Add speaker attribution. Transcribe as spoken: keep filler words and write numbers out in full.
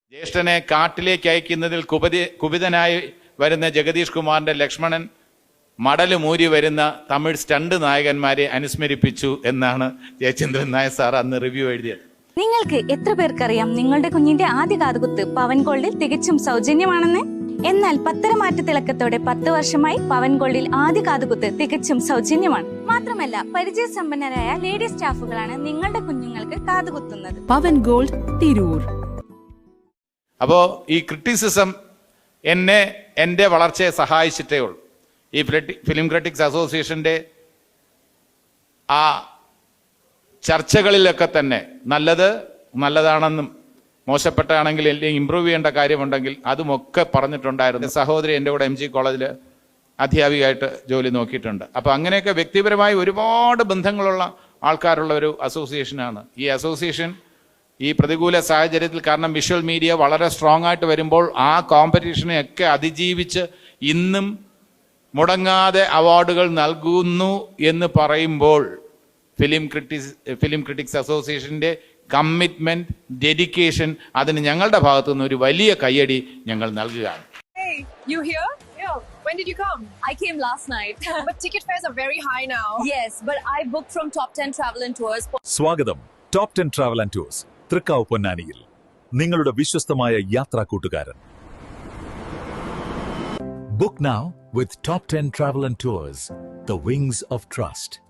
Speaker 1: ജ്യേഷ്ഠനെ കാട്ടിലേക്ക് അയക്കുന്നതിൽ കുപതി കുപിതനായി വരുന്ന ജഗദീഷ് കുമാറിന്റെ ലക്ഷ്മണൻ മടല് മൂരി വരുന്ന തമിഴ് സ്റ്റണ്ട് നായകന്മാരെ അനുസ്മരിപ്പിച്ചു എന്നാണ് ജയചന്ദ്രൻ നായർ സാർ അന്ന് റിവ്യൂ എഴുതിയത്.
Speaker 2: നിങ്ങൾക്ക് എത്ര പേർക്കറിയാം നിങ്ങളുടെ കുഞ്ഞിന്റെ ആദ്യ കാതുകുത്ത് പവൻ ഗോൾഡിൽ തികച്ചും സൗജന്യമാണെന്ന്? എന്നാൽ പത്തരമാറ്റ തിളക്കത്തോടെ പത്ത് വർഷമായി പവൻ ഗോൾഡിൽ ആദ്യ കാതുകുത്ത് തികച്ചും സൗജന്യമാണ്. മാത്രമല്ല പരിചയസമ്പന്നരായ ലേഡി സ്റ്റാഫുകളാണ് നിങ്ങളുടെ കുഞ്ഞുങ്ങൾക്ക് കാതുകുത്തുന്നത്.
Speaker 3: പവൻ ഗോൾഡ് തിരൂർ.
Speaker 1: അപ്പോൾ ഈ ക്രിറ്റിസിസം എന്നെ എൻ്റെ വളർച്ചയെ സഹായിച്ചിട്ടേ ഉള്ളൂ. ഈ ഫിലിം ക്രിറ്റിക്സ് അസോസിയേഷൻ്റെ ആ ചർച്ചകളിലൊക്കെ തന്നെ നല്ലത് നല്ലതാണെന്നും മോശപ്പെട്ടാണെങ്കിൽ അല്ലെങ്കിൽ ഇമ്പ്രൂവ് ചെയ്യേണ്ട കാര്യമുണ്ടെങ്കിൽ അതുമൊക്കെ പറഞ്ഞിട്ടുണ്ടായിരുന്നു. സഹോദരി എൻ്റെ കൂടെ എം ജി കോളേജിൽ അധ്യാപികയായിട്ട് ജോലി നോക്കിയിട്ടുണ്ട്. അപ്പോൾ അങ്ങനെയൊക്കെ വ്യക്തിപരമായി ഒരുപാട് ബന്ധങ്ങളുള്ള ആൾക്കാരുള്ള ഒരു അസോസിയേഷനാണ് ഈ അസോസിയേഷൻ. ഈ പ്രതികൂല സാഹചര്യത്തിൽ കാരണം വിഷ്വൽ മീഡിയ വളരെ സ്ട്രോങ് ആയിട്ട് വരുമ്പോൾ ആ കോമ്പറ്റീഷനെയൊക്കെ അതിജീവിച്ച് ഇന്നും മുടങ്ങാതെ അവാർഡുകൾ നൽകുന്നു എന്ന് പറയുമ്പോൾ ഫിലിം ക്രിറ്റിക്സ് ഫിലിം ക്രിറ്റിക്സ് അസോസിയേഷൻ്റെ കമ്മിറ്റ്മെന്റ്, ഡെഡിക്കേഷൻ, അതിന് ഞങ്ങളുടെ ഭാഗത്തു നിന്ന് ഒരു വലിയ കയ്യടി ഞങ്ങൾ നൽകുകയാണ്.
Speaker 4: Hey, you here? Yeah. When did you come?
Speaker 5: I came last night.
Speaker 4: But ticket fares are very high now.
Speaker 5: Yes, but I booked from Top ten Travel and Tours.
Speaker 6: സ്വാഗതം top ten travel and tours, Thrikkavu പൊന്നാനിയിൽ നിങ്ങളുടെ വിശ്വസ്തമായ യാത്രാ കൂട്ടുകാരൻ. Book now with Top ten Travel and Tours, the wings of trust.